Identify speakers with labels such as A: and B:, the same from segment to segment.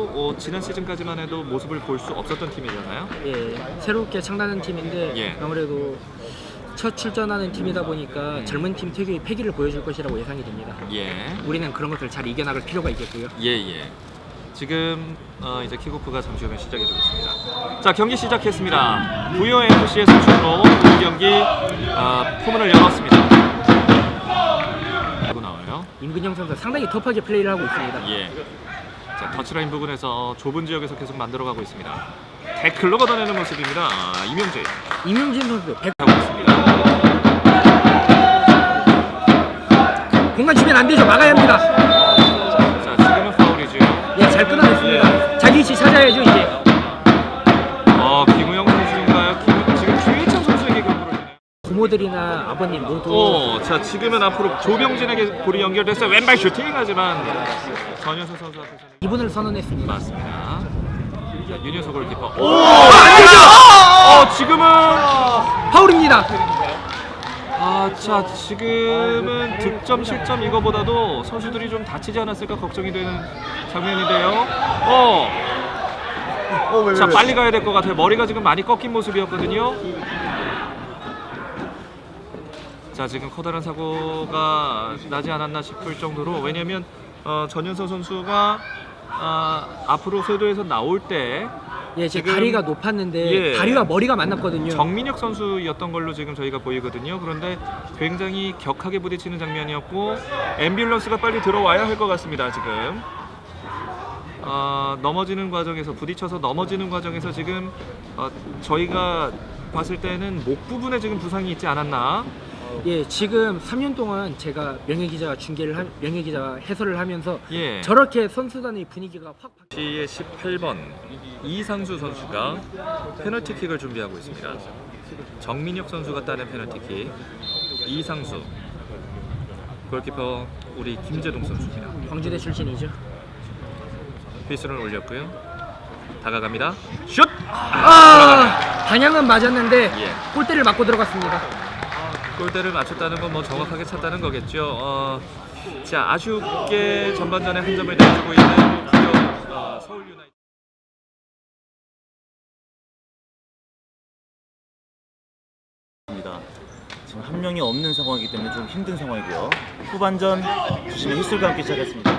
A: 지난 시즌까지만 해도 모습을 볼 수 없었던 팀이잖아요.
B: 예, 새롭게 창단한 팀인데
A: 예.
B: 아무래도 첫 출전하는 팀이다 보니까 젊은 팀 특유의 패기를 보여줄 것이라고 예상이 됩니다.
A: 예.
B: 우리는 그런 것들을 잘 이겨나갈 필요가 있겠고요.
A: 예. 지금 이제 킥오프가 잠시 후면 시작이 되겠습니다. 자, 경기 시작했습니다. 부여 FC의 선수로 본 경기 포문을 열었습니다. 하고 나와요.
B: 임근영 선수 상당히 터프하게 플레이를 하고 있습니다.
A: 예. 자, 터치라인 부분에서 좁은 지역에서 계속 만들어가고 있습니다. 태클로 걷어내는 모습입니다.
B: 임용진 선수 100
A: 하고 있습니다.
B: 공간 주면 안 되죠. 막아야 합니다.
A: 자, 지금은 파울이죠.
B: 예, 잘 끊어냈습니다. 자기 위치 찾아야죠 이제.
A: 김우영 선수인가요? 지금 주희창 선수에게 경고를 주네요.
B: 부모들이나 아버님 모두.
A: 자, 지금은 앞으로 조병진에게 볼이 연결됐어요. 왼발 슈팅 하지만 전현석 선수 앞에서는
B: 이분을 선언했습니다.
A: 맞습니다. 자, 윤효석 골키퍼.
B: 안 되죠.
A: 지금은
B: 파울입니다.
A: 자, 지금은 득점 실점 이거보다도 선수들이 좀 다치지 않았을까 걱정이 되는 장면인데요. 자, 빨리 가야 될 것 같아요. 머리가 지금 많이 꺾인 모습이었거든요. 자, 지금 커다란 사고가 나지 않았나 싶을 정도로, 왜냐면 전윤서 선수가 앞으로 쇄도에서 나올 때
B: 예, 제
A: 지금-
B: 다리가 높았는데
A: 예.
B: 다리와 머리가 만났거든요.
A: 정민혁 선수였던 걸로 지금 저희가 보이거든요. 그런데 굉장히 격하게 부딪히는 장면이었고 앰뷸런스가 빨리 들어와야 할 것 같습니다. 지금 넘어지는 과정에서, 부딪혀서 넘어지는 과정에서 지금 저희가 봤을 때는 목 부분에 지금 부상이 있지 않았나.
B: 예, 지금 3년 동안 제가 명예기자 해설을 하면서
A: 예.
B: 저렇게 선수단의 분위기가 확 바...
A: 시의 18번 이상수 선수가 페널티킥을 준비하고 있습니다. 정민혁 선수가 따낸 페널티킥. 이상수 골키퍼 우리 김재동 선수입니다.
B: 광주대 출신이죠.
A: 휘슬을 올렸고요. 다가갑니다. 슛!
B: 방향은 맞았는데
A: 예.
B: 골대를 맞고 들어갔습니다.
A: 골대를 맞췄다는 건 뭐 정확하게 찼다는 거겠죠. 자, 아쉽게 전반전에 한 점을 내주고 있는 부여 서울 유나이티드.
C: 지금 한 명이 없는 상황이기 때문에 좀 힘든 상황이고요. 후반전 주심의 휘슬과 함께 시작했습니다.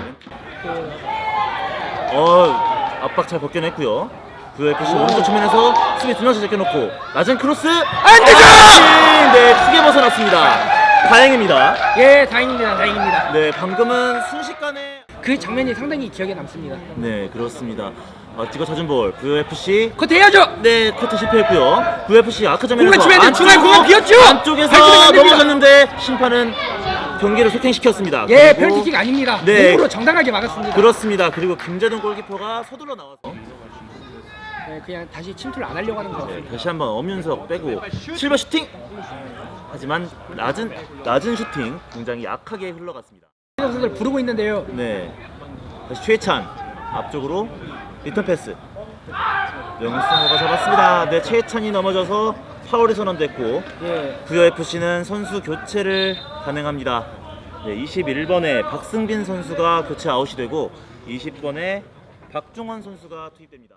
C: 압박 잘 벗겨냈고요. VFC 오른쪽 측면에서 수비 두 명씩 제껴놓고 낮은 크로스 안 되죠! 네, 크게 벗어났습니다. 다행입니다.
B: 예, 다행입니다.
C: 네, 방금은 순식간에
B: 그 장면이 상당히 기억에 남습니다.
C: 네, 그렇습니다. 찍어 찾은 볼 VFC
B: 커트 해야죠.
C: 네, 커트 실패했고요. VFC 아크 장면에서
B: 공간 주면 중앙 공간 비었죠.
C: 안쪽에서
B: 발키는 안 됩니다.
C: 넘어졌는데 심판은 경기를 소행시켰습니다.
B: 예,
C: 그리고-
B: 페널티킥 아닙니다.
C: 네.
B: 몸으로 정당하게 막았습니다.
C: 그렇습니다. 그리고 김재동 골키퍼가 서둘러 나와서
B: 네, 그냥 다시 침투를 안 하려고 하는 것 같습니다.
C: 다시 한번 엄윤석 빼고 실버 슈팅! 하지만 낮은 슈팅 굉장히 약하게 흘러갔습니다.
B: 선수들 부르고 있는데요.
C: 네, 다시 최찬 앞쪽으로 리턴 패스 명승호가 잡았습니다. 네, 최찬이 넘어져서 파울이 선언됐고
B: 예,
C: 부여FC는 선수 교체를 가능합니다. 네, 21번에 박승빈 선수가 교체 아웃이 되고 20번에 박중원 선수가 투입됩니다.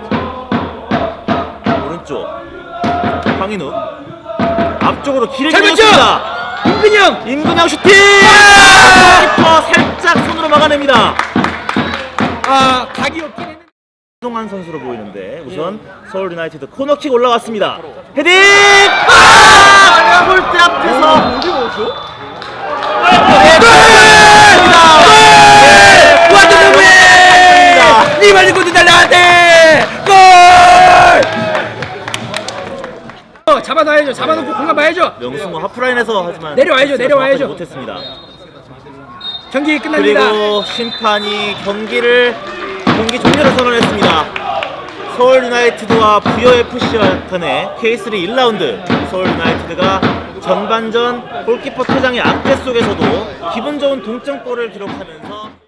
C: 오른쪽 황인욱 앞쪽으로 길게 밀었습니다. 임근영 슈팅! 키퍼 살짝 손으로 막아냅니다.
B: 각이 없긴 했는데.
C: 동한 선수로 보이는데 우선 서울 유나이티드 코너킥 올라왔습니다. 헤딩! 골대 앞에서 어디 넣었죠?
B: 니 말린 것도 달라한테 골! 잡아놔야죠. 잡아놓고 공간 봐야죠.
C: 명승호 하프라인에서 하지만
B: 내려와야죠, 내려와야죠.
C: 정확하지 못했습니다.
B: 경기 끝납니다.
C: 그리고 심판이 경기 종료를 선언했습니다. 서울 유나이티드와 부여 FC와 간의 K3 1라운드. 서울 유나이티드가 전반전 골키퍼 퇴장의 악재 속에서도 기분 좋은 동점골을 기록하면서